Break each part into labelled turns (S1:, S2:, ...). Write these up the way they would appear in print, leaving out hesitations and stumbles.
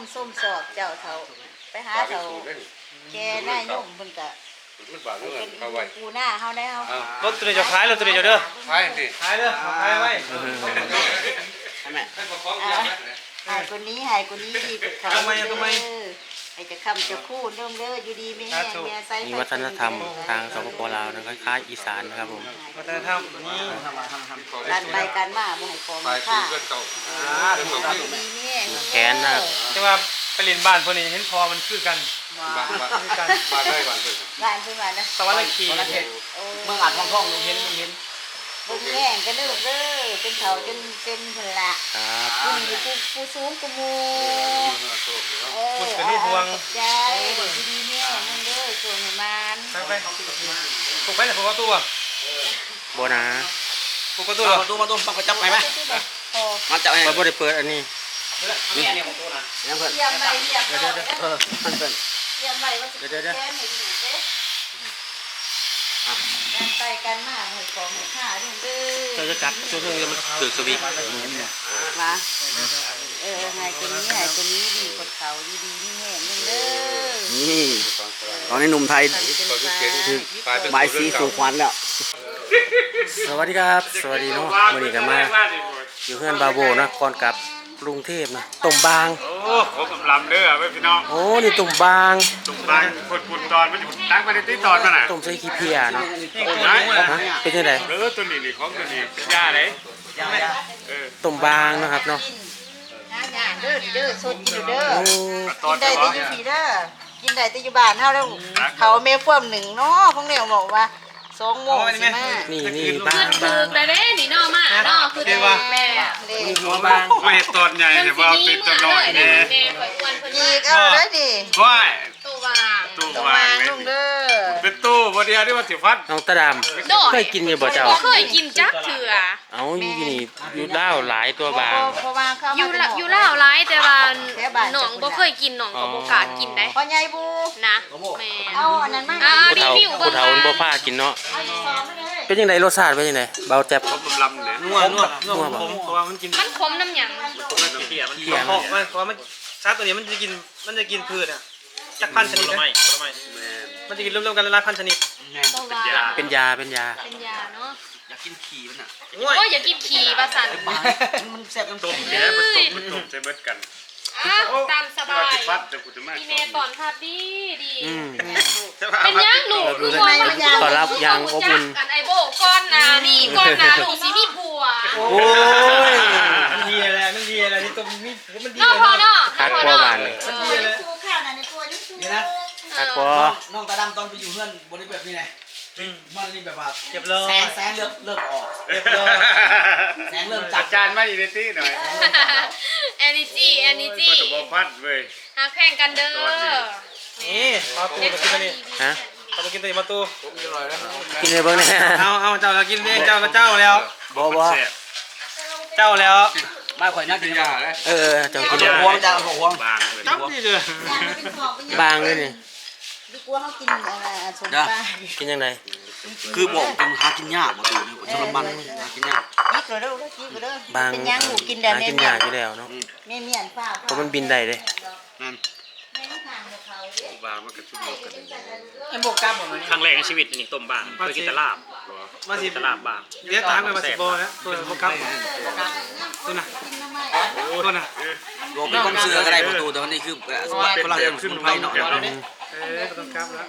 S1: ส้มสอบเจ้าเถาไปหาเถาแกหน้ายุ่งเพิ่นก็เป็นปูหน้าเฮาได้เฮาร
S2: ถตัวนี้จะขายรถตัวนี้จะเด้อ
S3: ขายดิ
S2: ขายเด้อขายไว้
S3: ทำไม
S1: หายคนนี้ดีกว่าเขาทำไมไอ้จะคำจะคู่เริ่มอยู่ดีไม่แห้งเนี่ยไซส์
S4: มีวัฒนธรรมทางสปปลาวนะคล้ายๆอีสานนะครับผม
S2: วัฒนธรรมนี่
S1: การไปการมาบ่ให้ของค่าดีนี่
S4: แขนนะครับ
S2: แต่ว่าไปเรียนบ้านพวกนี้เห็นพอมันคือกัน
S3: บ้านได้บ้านเลย
S1: บ้านเพิ่นว่านะ
S2: สวรรค์ขี่
S5: เมืองอัดท้องเห็น
S1: บ่แห้งกันเด้อเป็นเขาจนเป็นเพิ่นละผู้สูงกูมู
S2: คุณเป็นลูกพวง
S1: ยายดีๆเนี่ยนั่นเด้อส่วนให้มัน
S2: ไปปลูกไปแต่ปลูกประตูอ่ะ
S4: โบนะ
S2: ปลูกประตู
S5: ประตูปักจับไปไหมมันจับให้
S4: เราไม่ได้เปิดอันนี้
S5: นี่ของตัวนะยังเพิ่น
S1: เยี่ยมไปเยี่ยม
S5: มันเป็น
S1: เยี่ยมไปว่าจะแก้ให้ดูเด้การไปกันมาหอยของหอยข้าด้วยเด้อ
S4: เราจะกัดช่วงนี้มันถือสวิง
S1: มาหายคนนี้ดีกดเขาดีนี่แห้งเด้อ
S5: นี่ตอนนี้หนุ่มไทยไม้สีสู่ขวัญแล้ว
S4: สวัสดีครับสวัสดีเนาะวันนี้กันมาอยู่เพื่อนบาโบนะก่อนกับกรุงเทพนะตุ่มบาง
S3: โอ้โหกำลังเด้อเว้ยพี่น้อง
S4: โอ้นี่ตุ่มบาง
S3: ฝุ่นตอนมันอยู่ตั้งมาในที่ตอนมันน่ะ
S4: ตุ่มใส่ขี้เพียเนาะเป็นยังไง
S3: ตัวนี้ของตัวนี้เป็นยาไหน
S4: ตุ่มบางนะครับเนาะ
S1: เด้อสดกินเด้อกินได้แต่อยู่พี่เด้อกินได้แต่อยู่บ้านเฮาแล้วเขาแม่พ่วมหนึ่งเนาะพวกเนี่ยบอกว่า2 โมงสิมา
S4: นี่บ้าง
S6: เลยเด้นี่นอมาเนาะคือแม่
S4: หัวบาง
S3: ไม่ตอนใหญ่เนี่ยว่าเป็นตัวน้อยเนี่ย
S1: อีกได้ดิ
S3: ว้าย
S1: ตัววางลุงเด้อ
S3: เป็นตู้บดีที่ว่าสิฟัด
S4: น้องตะดำเคยกินอยู่บ่เจ้า
S6: เคยกินจักเถื่อ
S4: เอาอยู่นี่อยู่เล่าหลายตัวบาง
S6: อยู่เล่าหลายแต่ว่าหนองบ่เคยกินหนองก็บ่กล้ากินได้
S1: พ่อใหญ่บู
S6: นะแม่
S1: เอาอันนั้นมา
S6: รีวิว
S4: ผู้เฒ่าบ่พากินเนาะเป็นยังไงรสชาติเป็นยังไงเบาแจ๊บ
S3: ลำเนี่ย
S2: นัวผมเพราะว่ามันกิน
S6: มันขมน้ำหยัง
S2: เพี้ยมันเพราะว่ามันชาตัวนี้มันจะกินพืชอ่ะจักพันชนิดนะมันจะกินรวมๆกันหลายพันชนิด
S4: เป็นยา
S6: เนาะ
S5: อยากกินขี่มันอ่ะ
S6: โอ้ยอยากกินขี่ประสัน
S5: มันแซ่บ
S3: ต้มแก่มันต้มใส่เบิดกัน
S6: ตามสบายพี่เมย์ตอนทับดีเป็นยังหนูคือว่า
S4: ตอนรับยังอบอุ่น
S6: กันไอโบก้อนนานี่ก้อนนาหนูสีมีผัว
S4: โอ้ย
S2: มันดีอะไรที่ตัวมันดี
S6: เนาะพอเนาะ
S4: คักกว่าบานเลย
S2: มันดีเลย
S1: คู่ข้าวในตัวยุ่งๆนะ
S4: คักกว่า
S5: น้องตาดำตอนไปอยู่เพื่อนบริเวณนี้ไงมันนี่แบบว่า
S2: เก็บเลย
S5: แสงเริ่มออกเก็บเลยแสงเริ่มจัด
S3: จานมาอีเดตี้หน่อย
S6: energy
S3: ก็จะบอกพัดเว้ย
S6: หาแข่งกันเด้อ
S2: นี่มาตูมากินตัวนี้
S4: ฮะ
S2: มากินตัวนี้มาตู
S4: กินเลยเบิ้งเนี่ย
S2: เอาเจ้าเรากินเองเจ้าแล้ว
S4: บ่
S2: เจ้าแล้ว
S5: ไม่ค่อยน่ากินยาเลย
S4: เจ้ากิน
S5: หัวเจ้าหัว
S3: บางเลย
S2: จับนี่เลย
S4: บางเลยนี่
S1: ดูกลัวเขากินสมปลา
S4: กินยังไง
S5: คือบอกกินหากินยากมาดูนี่ทรมานหากินยาก
S1: นี่ก็เด้อบางเป็นยังหมูกินได้แม่
S4: กินยากอยู่แล้วเนาะ
S1: แม่เมียนฟ้า
S4: เพราะมันบินได้เลย
S3: บางมันกระชุ่มกัน
S2: ไอ้โบกกับ
S7: ครั้งแรกในชีวิตนี่ต้มบางไปกินตลาบ
S2: มาสิ
S7: ตลาบบาง
S2: เดี๋ยวตามไปมาสิโบนะตัวโบกับตัวน่ะ
S5: รวมเป็นคนเสืออะไรประตูแต่วันนี้คือพลังขึ้นไฟเนาะ
S2: ต้องกับแล้ว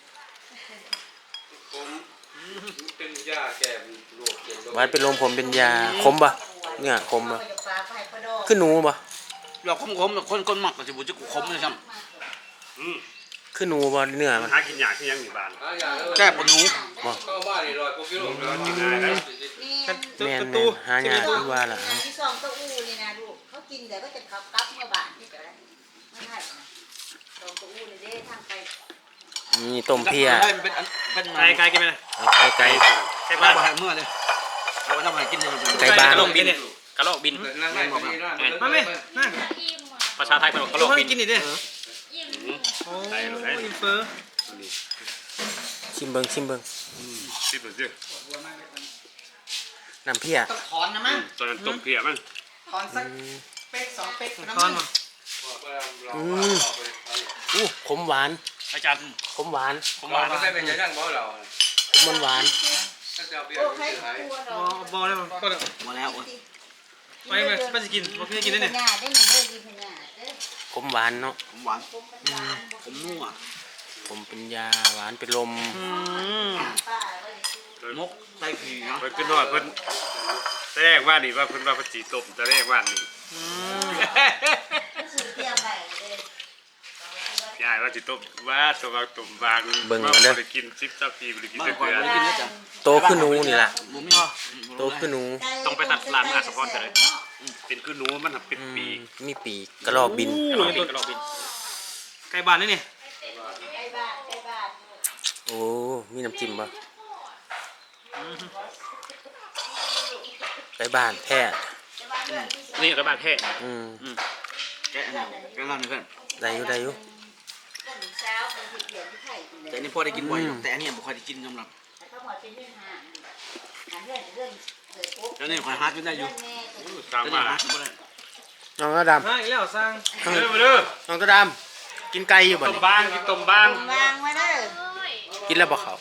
S4: ไว้เป็นลมผมเป็นยาคมปะเนี่ยคมปะขึ้นหนูปะ
S5: เราคมคนหมักก็จะบุจะคมเลยซ้
S4: ำขึ้นหนูปะเนื้อมัน
S3: หากินยากที่ยังอยู่บ้าน
S5: แก้ปวดหนู
S4: บ่แม่นหายากที่ว่าล่ะ
S1: ที่ซองเต้าอู่เลยนะลูกเขากินแต่ก็จะขับกับเมื่อบ่ายที่เดี๋ยวไม่ใช่ซองเต้าอู่เลยเด้ทางไป
S4: นี่ต้มเพีย
S2: ไก่กินไหม
S4: ไก่
S5: บ้านเมื่อเลยเราทำอะไรกินเลย
S4: ไก่บ้าน
S7: กระโหลกบินกระโหลกบิน
S2: มาไหมนั่น
S7: ประชาไทยเป็นกระโหลกบิน
S2: กินอีกดิโอ้อินเฟอร์
S4: ชิมเบิ้งน้ำเพีย
S5: ถอนนะมั้ง
S3: ตอนนั้นต้มเพียมั้ง
S5: ถอนสักเป๊ก2 เป๊ก
S2: ถอนมา
S4: ขมหวาน
S7: อาจารย์
S4: ขมหวาน
S7: ผมว่า
S5: ไม่เป็นยังยังบ่เรา
S4: ขมหวาน
S1: โอ้ใครกลัวดอก
S2: บอแล้วก็
S5: มาแล้ว
S2: ไปเลยไม่จะกินบอกไม่กินได้เนี่ย
S1: พญาได้หนึ่งเด้อดีพญาเด้อ
S4: ขมหวานเนาะ
S5: ผมหวานผมนัว
S4: ผมเป็นยาหวานเป็นลม
S1: ป้าไว้
S5: มกใส่ผีเนาะ
S3: เพิ่นขึ้นนอดเพิ่นแรกว่านี่ว่าเพิ่นว่าปฏิตบแต่แรกว่านี่
S1: ซื้อเตรียมไว้เลย
S3: ยายว่าจิตบว่าตัวบางตุ่มบางไปกินชิปซับปีไปกิน
S5: บ้าน
S3: เดื
S5: ก่อน
S3: อน
S5: ไม่กินนะจ๊ะ
S4: โตขึ้นหนูนี่ล่ะ
S5: บ่มี
S4: โตขึ้นหนู
S7: ต้องไปตัดร้านอาสะพรกันเลย
S3: เป็นคือหนูมันเป็น
S4: อื
S3: ปี
S4: มมีปีกกระรอกบิน
S7: กระลอกบินกระลอกบิน
S2: ไก่บ้านนี่นี่
S1: ไอ้บ้านไอ้บ้าน
S4: โอ้มีน้ำจิ้มปะไปบ้านแท้
S7: นี่กระบาดแท้
S4: อืม
S5: แกะนะแกะร้านนึงเพื่อน
S4: ได้อยู่ได้อยู่
S1: ต้นเช้าเป็นที่เปลี่ยนที่ไข่กินเลย
S5: แต่อันนี้พอได้กินบ่อยแต่อันนี้บ่ค่อยได้กินสำหรับ
S1: แต่เขาบอกเป็นเรื่องหาเรื่องเรื่องเกิดปุ๊บ
S5: แล้วนี่ค่อยหากินได้อยู่
S1: แม่ตัว
S3: สร้าง
S5: แต่
S3: มา
S5: นี่หากินบ่ได้
S4: น้องกระด
S2: มาอีกแล้วสร้าง
S3: เด้อมาเด้อ
S4: ำน้องกระดำกินไก่อยู่บ่
S3: ต้ม
S4: นี่
S3: บางกินต้มบาง
S1: วางไว้เด้อ
S4: กินแล้วบ่เขา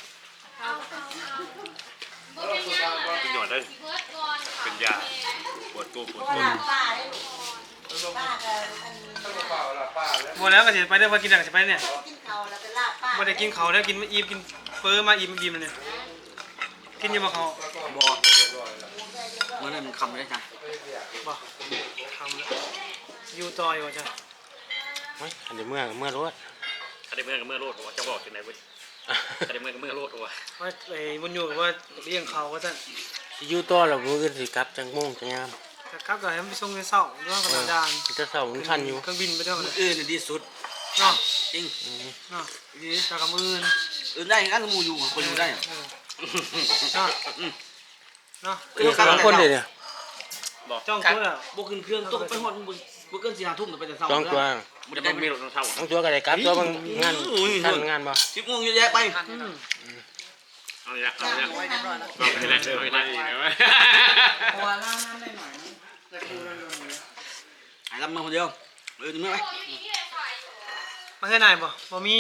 S3: เป็นหยอดเลยเป็นยาปวดตัวปวด
S1: ก็
S3: ตัว
S1: ลาป้าได้ลูกป้าก็อัน
S2: บอแล้วก็จะไปได้พอกินหนังจะไปเนี่ย
S1: กินเขาแล้วก็ลาป้า
S2: บ่ได้กินเขาแล้วกินอิ่มกินเฟอมาอิ่มเลยเนี่ยกินยังบ่เขา
S5: บ่เมื่อนั้นมันคำได้จ้ะ
S2: บ่ทำแล้วอยู่ต่ออยู่จ้ะ
S4: เฮ้ยอันเดี๋ยวเมื่อรถ
S7: ถ้าได้เมื่อกับเมื่อโลดหัวจะบอกถึงไหนเว้ยถ้าได้เมื่อกับเมื่อโลดหัว
S2: ว่าไอ้บุญอยู่กับว่าเลี้ยงเขาก็ท่าน
S4: สิอยู่ต่อแล้วมื้ออื่นสิกลับจังโมงจังยาม
S2: ครับก็ให้มันไปส่งในเสาด้วยกับดาน
S4: จะเศร้าถึงทันอยู่
S2: เครื่องบินไปด้วย
S5: มื้ออื่นดีสุด
S2: เนาะ
S5: จริง
S2: เนาะดีจากกับมือ
S5: อื่นได้กันหมู่อยู่คนอยู่ได้
S2: เนาะเนาะ
S4: สองคนเด้เนี่ย
S2: จ้องตัวแล้ว
S5: บ่ขึ้นเครื่องตกไปฮอดบ่เกิน4-5 ทุ่มไปแต่เช้า
S4: สองตัว
S7: มันจะไม่มีรถเท่า
S4: สองตัวก็ได้กลับตัวบางงานทันงานบ่
S5: 10 โมงเยอะแยะไป
S3: เอาอย่างเอาอย่าง
S1: ไว้เรียบร้อยแล้ว
S3: เอาไปเลยเอาไปเลย
S5: หายลำมาคนเดียวถึงไหม
S2: มาแค่ไหนบ่มี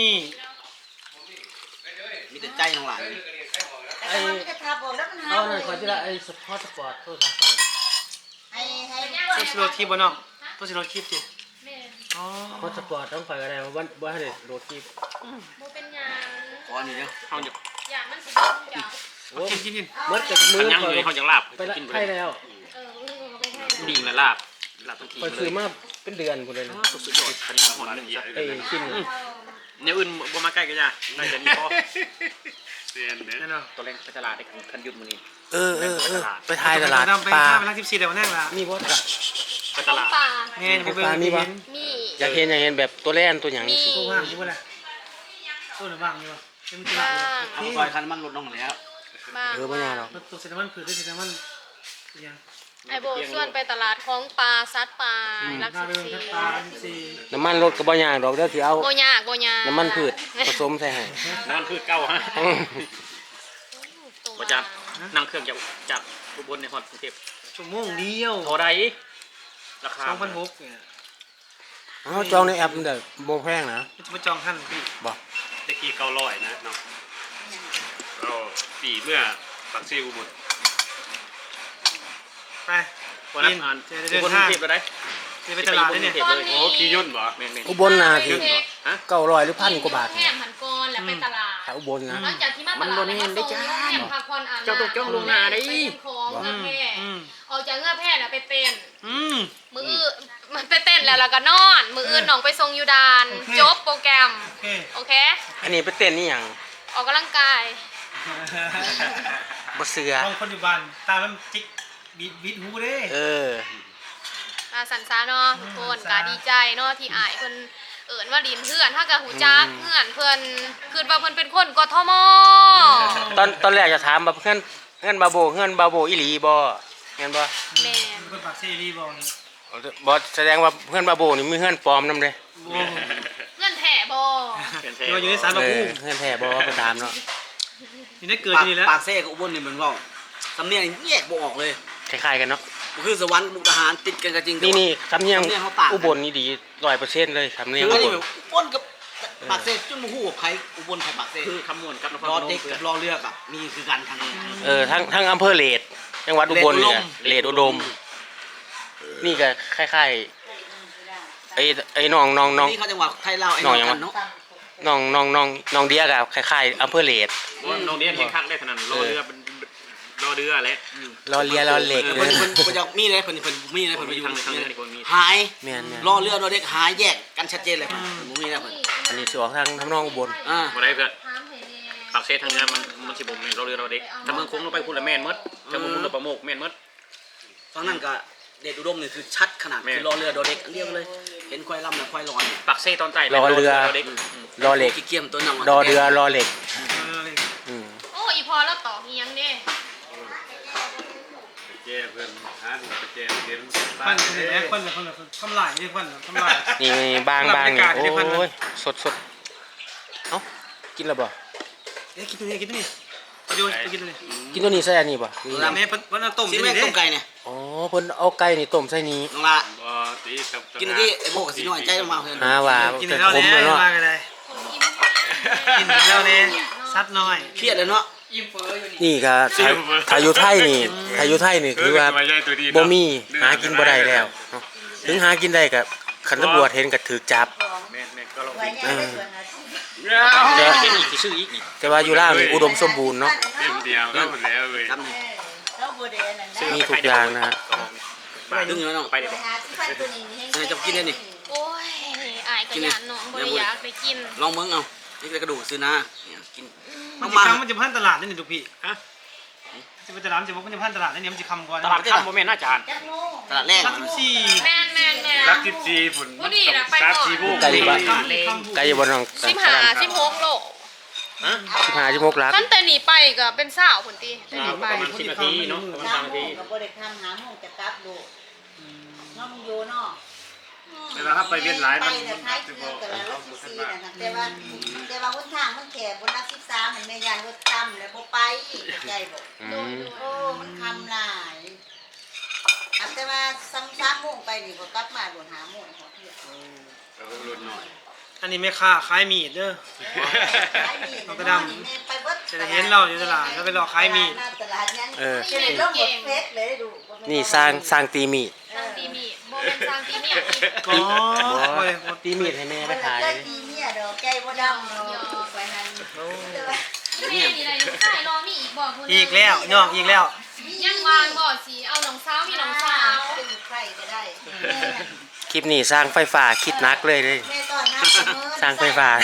S5: มีแต่ใจน้องหลาน
S1: ไอ้จะทับออกแล้วมันหา
S4: เอาหน่อยขอจิละไอ้สปอร์ตโทษครับ
S1: ให้
S2: ตัวสิโรทีบ่เนาะตัวสิโรทีติอ๋อ
S4: พอสปอร์ตต้องไปก็ได้ว่าบ่ให้ได้โดดคลิป
S6: บ่เป็นหยัง
S5: ขออันนี้เด้อ
S7: เขาจะ
S6: อย่างมันสิเป็นอย่าง
S4: โอ้
S2: กิน
S4: เมื่อจากมือ
S7: ยัง
S4: ข่อย
S7: เลยเขาจะลาบ
S4: ไปละ
S7: กินไป
S4: ไข่แล้ว
S6: ไปให้
S7: ดิ่งและลาบลาบทั้งที
S4: ข่อย
S7: เล
S4: ซื้อย มาเป็นเดือนพุ่นเลยนะ
S7: สุดยอดอันนี้หอนหนึ่งจ้ะ
S4: ไอ้กิน
S7: เนี่ยอื่นบ่มาใกล้กันจ้ะได้แต่นี่พอ
S3: เสียนเนี่ย
S2: นั่นเนาะ
S7: ตัวเล่นไปตลาดได้คันยุดมื้อนี้
S4: ไปถ่ายตลาด
S2: ไป
S4: ปลา
S2: ไปร้าน14เดี๋ยวแน่ละ
S4: มีบ่ตลาด
S7: ไป
S6: ข
S7: ต
S6: อง
S7: ลาด
S6: ป่า
S2: แม่ไปเบิ่ง
S6: มี
S4: อยากเห็นแบบตัวแล่นตัวหยังสิ
S2: ตัวว่างอยู่บ่ล่ะตัวหรือว่างอยู่เป็นตัว
S6: บ้า
S5: เอาซอยคันมันลดลงแล้ว
S6: บ้า
S4: บ่ยากหรอก
S2: ตัวเซนมันคือเซนมันยัง
S6: ไอโบส่วนไปตลาดของปลาซัดปลารัก
S2: ถ้าไป
S6: สิ
S2: เบิ่ง
S6: บ
S2: ทัด
S6: สี่
S2: ตา14
S4: น้ำมันรถก็บ่ยากดอกเดี๋ยวสิเอา
S6: โบยากโบยาก
S4: น้ำมันพืชผสมใส่ให้
S7: นั่นคือเก่าฮะบ่จับนั่งเครื่องจากอุบลในฮอดกรุงเทพ
S2: ชั่วโมงเดียว
S7: เท่าใดราคา
S2: 2,600เนี่ย
S4: เอาจองในแอปมันได้บ่แพงนะ
S2: จะมาจองท่านพี่
S4: บ่
S3: ตะกี้900นะเนาะเราปีเมื่อปักซี่อุบล
S2: ไป
S7: วันนั้นอ่านอุบลกรุงเทพแล้วได้
S2: จะไปตลาดได้เนี่ย
S3: โอ้ขี่ย่นต์บ่
S7: แม่น
S4: อุบลน่ะสิ
S7: ฮะ
S4: 900หรือ1,000กว่าบาท
S6: แค่หันก้อนแล้วไปตลาด
S4: ถ้าอุบลนะ
S6: หลังจากที่มาตลาดแล้วก็ส่งแค่พาคอนอ่านของเงื่อแพร่ออกจากเงื่อแพร่แล้วไปเป็น มืออื่นมันไปเต้นแล้วก็นอน มืออื่นน้องไปทรงยูดานจบโปรแกรม
S2: โอเค
S6: โอเค
S4: อันนี้ไปเต้นนี่หยัง
S6: ออกกำลังกาย
S4: บ่เสือ
S2: ลองคนอยู่บ้านตามันจิกบิดหูเด้
S6: สันซาเนาะทุกคนก็ดีใจเนาะที่อายเพิ่นเอิ้นว่าดินเพื่อนถ้ากับหูจักเพื่อนเพิ่นคือว่าเพิ่นเป็นคนกทม
S4: ตอนแรกจะถามว่าเพื่อนบาโบอีหลีบ่แม่นบ่
S6: แม่น
S2: เป็นปากเซรีบอกนี่
S4: บ่แสดงว่าเพื่อนบาโบนี่มีเพื่อนปลอมนำเด้
S6: เงื่อนแถ่บ่
S7: เป็นเท
S2: อยู่ในสารบัก
S4: เอ
S2: อู้
S4: อเพื่อนแท้บ่ไปตามเนาะ
S2: อยู่ในเกิดนี่แล้ว
S5: ปากเซ่กับอุบลนี่เหมือนว่าสำเนียงแยกบ่ออกเลย
S4: คล้ายๆกันเนาะ
S5: คคือสวรรค์มุกดาหารติดกันก็จริง
S4: นี่สำเนียง
S5: สำเนียงเขาต่างกัน
S4: อุบลนี่ดี100%เลยสำเนียง
S5: คือ
S4: อุ
S5: อัน
S4: บ
S5: นี้
S4: ล
S5: แบบป้นกับปากเซ่จนมาหู้ไผอุบลไผปากเซ่
S7: คือคำนวณกับนคร
S5: ร
S7: พ
S5: อน
S7: ม
S5: เด็กกับรอเรือกับมีคือกันทางนี้
S4: ทั้งอำเภอเลดจังหวัดอุบลเนี่ยเลดอุดม นี่ก็คล้ายๆไอ้น้อง
S5: นี่เขาจังหวัดไทยลาวไอ้น้องกันเนาะ
S4: น้องเดียกับคล้ายๆอำเภอเลด
S7: น้องเดียนเห็นข้างได้ขนาดรอเรือรอเรือและ
S4: รอเลียรอเหล็ก
S5: เพิ่นจะมีเลยเพิ่นมีเลยเพิ่นไปอยู่
S7: ทางนี้คนมี
S5: หาย
S4: แม่น
S5: รอเรือรอเด็กหายแยกกันชัดเจนเลยเพิ่นมีแล้วเพิ่น
S4: อันนี้สิออกทางน้องอุบล
S7: มาได้เพื่อนปากเซทางนี้มันสิบ่แม่นรอเรือรอเด็กถ้าเมืองคงลงไปพูดละแม่นมดถ้าเมืองพูดละประโมกแม่นมด
S5: ตอนนั้นก็เดชอุดมนี่คือชัดขนาดคือรอเรือรอเด็กอันเดียวเลยเห็นควายลำและควายลอย
S7: ปากเซตอนใต้
S4: รอเรือ
S7: เด็ก
S4: รอเหล็ก
S5: ขี้เกียจตัวน้อง
S4: รอเรือรอเหล็กอืม
S6: โอ้อีพอแล้วต่อเฮียงเด้
S3: แจ้เพิ่นหาแจ้เห็น
S2: ปั้นคือแม่ปั้นเลยทำลายนี่ปั้นทำลาย
S4: นี่บางนี่
S2: บรรยากาศที่เพิ่น
S4: โอ้ยสดเอ้ากินแล้วบ่
S2: กินตัวนี้ประโยชน์กินตัวนี้
S4: กินตัวนี้ใส่อันนี้บ่
S2: แม่เพิ่นต้ม
S5: ซี
S2: ตัว
S5: แม่
S2: นี้
S5: ต้มไก่เนี่ย
S4: อ๋อเพิ่นเอาไก่นี่ต้มใส่นี้
S5: น้องละ
S3: บ่ตีกับ
S5: กินที่ไอ้โบกับสีน้อยใจลงมาเพิ่น
S4: หาว่า
S2: กิน
S4: แต่
S2: แล้ว
S4: ขม
S2: เนี่
S4: เลย ยเนาะ
S2: มากันเลยกินแล้วเนี่ยซัดน้อย
S5: เครียดเลยเนาะ
S4: นี่ก็ถ้าอยู่ไทยนี่คือว่าบ่มีหากินบ่ได้แล้วเนาะถึงหากินได้ก็คันตำรวจเห็นก็ถูกจับ
S7: แม่ก็ลอง
S1: ไว้ยังได้ส่วนอาชีพ
S4: แต่
S7: เป็นอีกชื่ออีกนี่
S4: แต่ว่าอยู่ลาวนี่อุดมสมบูรณ์เนาะ
S3: เต็มเดียวก็หมดแล้วเว้ย
S5: จำนี่
S1: เราบ่ได้อันนั้นได้
S4: มีทุกอย่างนะฮะ
S5: ดึงอยู่น้อง
S7: ไปเดี๋ยว
S1: ไปหาที่พันตัวนี้ให้
S5: จะกินได้นี่
S6: โอ้ยอายกระยานน้องบ่ได้อยากไปกิน
S5: ลองเบิ่งเอานี่เป็นกระดูกซื้อนะเนี่ยกิน
S2: มันจะคำมันจะพันตลาดนี่ทุกพี่ฮะจะเป็นตลาดจะบอกมันจะพันตลาดนี่มันจะคำก่อน
S7: ตลาดข้ามโมเมนต์น่าจาน
S1: จักโมง
S5: ตลาดแรก
S2: รักสี่
S6: แม่น
S3: รัก14พุ่น
S6: บ่ดีนะไปก่อน
S3: 3-4โมง
S4: ไก่บ้าน
S2: คำคำ
S4: ไก่อยู่บนน้อง
S6: 16โล
S4: 15 16ลัก
S6: ขั้นแต่หนีไปก็เป็นสาวพุ่นติแต่หนีไป
S7: ประมาณ10 นาทีเนาะประมาณ
S1: สาม
S7: 3 นา
S1: โม
S7: ที
S1: งก็บ่ได้ทำหาโมงจะกลับดูน้องอยู่เนาะ
S3: เวลาถ้าไปเวียนหลาย
S1: ไป
S3: มัน
S1: แต่ท้ายเที่ยวแต่ละรถซีนะครับแต่ว่าคนทางมันแก่บนรัก13มันแม่ยานรถต่ำแล้วบ่ไปใจบ่
S4: อืม
S1: โอ้มันคำหลายแต่ว่า3โมงไปนี่ก็กลับมาบ่หาโมงขอเที่ยว
S3: รุ่นหน่อย
S2: อันนี้แม่ค้าขายมีดเด้อ
S1: ขายมีด
S2: เอากระดำ จะเห็นเราอยู่ตลาดแล้วไปรอขายมีด
S1: ตลาดยัง
S4: เออ
S1: จะได้ลงหมดเพชรเลยดู
S4: นี่สร้างตีมีด
S6: สร้างตีมีบ่เป็นสร้างตีมีอีก
S2: อ๋อบ่ได้บ่
S4: ตีมีดให้แม่ไปขาย
S1: ได้ปีเนี่ยดอกแก้วบ่ดำดอกไปนั่น
S6: แม่นี่ได้ลูกชายรอมีอีกบ่พุ่น
S2: อีกแล้วย่องอีกแล้ว
S6: ยังวางบ่สิเอาน้องสาวมีน้องสาว
S1: เป็นใครก็ได้
S4: คลิปนี้สร้างไฟฟ้าคิดหนักเลยเลย
S1: แม่ตอนนั้น
S4: สร้างไฟฟ้า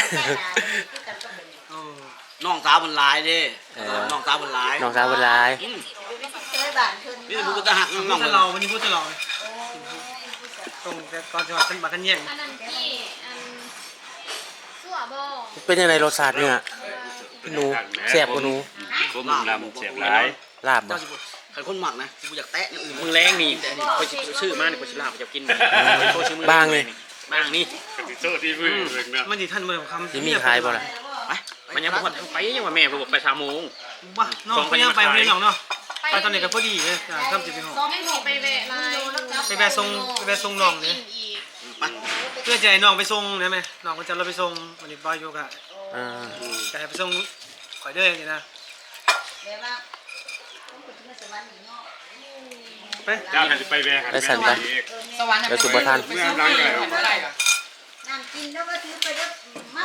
S5: น้องสาวมันหลายเด้น้องสาวมันหลาย
S4: น้องสาวเพิ่นหลาย
S1: เคยบ้านขึ้น
S5: นี่มันก็จะหักน้
S2: พู
S5: อ
S2: ด
S5: ง
S2: จะเราวันนี้พูดจะเราตรงแต่ก่อนจังหวัดขึ้นมากันแย่ง
S6: อันนั้นที่อันสั่วบ่
S4: เป็นยังไงรสชาติเนี่ยหนูแซ่บกว่าหนู
S3: ผมลำเสียบหลาย
S4: ลาบบ่
S5: ใครคนหมักนะกูอยากแตะนี่อื่น
S7: มึงแรงนี่คอยชื่อมาเนี่ยคอยชิลาจะกิน
S4: บางเลย
S7: บางนี่
S3: กติโซ่ที่มือเบิ่งเนาะ
S2: มันสิท่านเบิ่งคำ
S4: สิมีขายบ่ล่ะ
S5: ไป
S7: มันยังพอไปยังว่าแม่บอกไป3 โมง
S2: บ้าน้องไปยังไปเรียนน้องเนาะไปตอนนี้ก็พอดีเลยคำสิไปห้อง
S6: ยังสิไปแวะลาย
S2: ไปแวะส่งน้องเลย
S6: อีก
S5: ไป
S2: เพื่อจะให้น้องไปส่งได้ไหมน้องก็จะเราไปส่งวันนี้บอยโยกะ
S4: อ่า
S2: จะให้ไปส่งข่อยเด้ออย่างนี้นะ
S1: แม่ว่าต้องไปที่สวรรค์เนาะ
S2: ไป
S3: เจ้าหันไปแวะหัน
S1: สวรรค์
S4: แล้วสุบทัน
S3: เมื่อหลังเลย
S1: น้ำกินแล้วก็ถือไปเด้อมา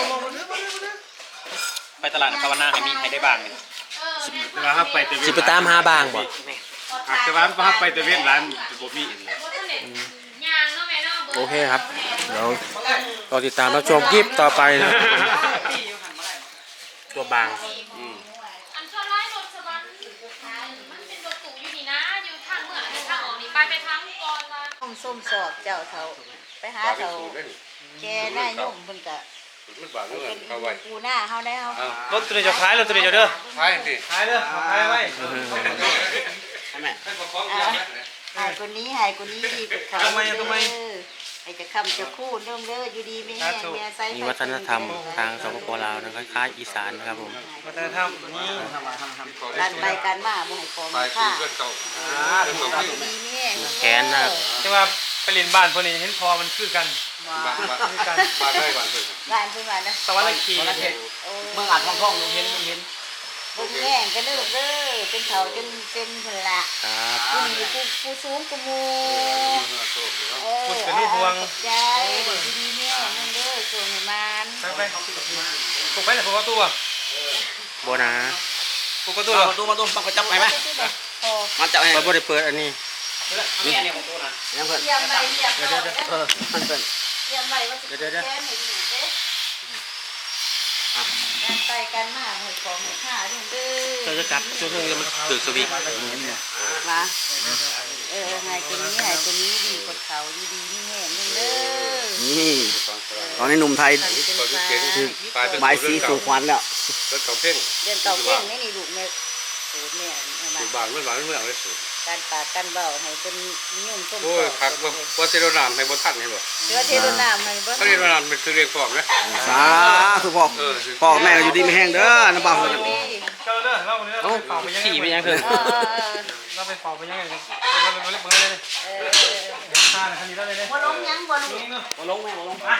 S7: ไปตลาดภาวนาให้มีให้ได้บ้างเลย
S3: เวลาถ้าไปแต่เวีย
S4: สิ
S3: น
S4: ไปตามหาบางบ่
S3: หากแต่ว่าถ้าไปแต่เวียนหลายบ่มีอีกเลย
S6: ยางเนาะแม่เนาะ
S4: โอเคครับเดี๋ยวรอติดตามรับชมคลิปต่อไปนะตัวบาง
S6: อันชอบไล่รถสวรรค์มันเป็นรถตู้อยู่นี่นะอยู่ทางเมืองทางออกนี่ไปทางก่อนมา
S1: ห้องส้มสอบเจ้าเฒ่าไปหาเฒ่าแกหน้ายุ่งเพิ่นก็เป็นปูหน้าเฮาได้เฮาร
S2: ถตัวนี้จะขายรถตัวนี้จะเด้อ
S3: ใช่สิ
S2: ขายเด้อขายไว้
S5: ใช่ไหม
S1: หายคนนี้ดีกว่าเขาให้จะคำจะคู่เด้ออยู่ดีไม่แห้งแม่ใส่
S4: มีวัฒนธรรมทางสปปลาวนะคล้ายๆอีสานนะครับผม
S2: วัฒนธรรมนี่
S1: การไปการมาบ่ให้ของค่าดีแม่
S4: แขนนะครับ
S2: แต่ว่าไปเรียนบ้านพวกนี้เห็นพอมันคือกันคือกัน
S1: บ้านเพิ่นว่านะ
S2: สวรรค์ขี
S5: เมืองอัดท่องๆเห็น
S1: บ่แห้งกันเด้อเป็นเขาจนเป็นเพิ่นละ
S4: ครับ
S1: ผู้สูงกูมู
S2: คุณเป็นลูกห่วง
S1: ยายดีแม่นั่นเด้อส่งให้มัน
S2: ไปปลุกไปแต่ปลุกประตูอ่ะ
S4: โบนะ
S2: ปลุกประตู
S5: ตู้
S2: เหรอ
S5: มาตู้ปังก็จับไปไหม
S1: พอ
S5: มันจับให้
S4: เราบ่ได้เปิดอันนี้
S5: นี่อันนี้ของตู้นะยังเพิ่น
S1: เตรียมไว้เรียบร้อย
S5: มันเพิ่น
S1: เตรียมไว้ว่าสิแก้ให้ดีเด้การไปกันมาให้ของให้ค่าเด้อ
S4: เราจะกัดช่วงนี้มันถือสวิง
S1: มาให้ตัวนี้ให้ตัวนี้ดีกดเขาดีๆนี่แห้งเด้อ
S5: นี่ตอนนี้หนุ่มไทย ไม้สีสู่ขวัญแล้ว
S3: รถเก่าเพ่ง
S1: เรียนเก่าเก่งนี่ลูกแม่สูตรเนี่ยมา
S3: บางเมื่อวานเมื่อเอาได้สูง
S1: การปากการเบาให้เป็นยุ่งต้ม
S3: โอ้ยคักว่าเซโรนามให้บ่ทันให้บ่
S1: เชื้อเทโรนามให้บ่
S3: เขาเรียนว่านามเป็นคือเรียกฟอร์มนะ
S5: สาธุพ่อแม่อยู่ดีไม่แห้งเด้อน้ำบ่าว
S2: เจ้าเด้อเราเนี่ยเราไปเป่าไปยังไง
S4: ขี่ไปยังคือ
S2: เราไปเป่าไปยังไงเราไปเบิ่งเลย
S1: เออ
S2: ข้าคันนี้ได้เลย
S1: บ่ลงยังบ่ลง
S2: นี่เนาะ
S5: บ่ลงแม่บ่ลง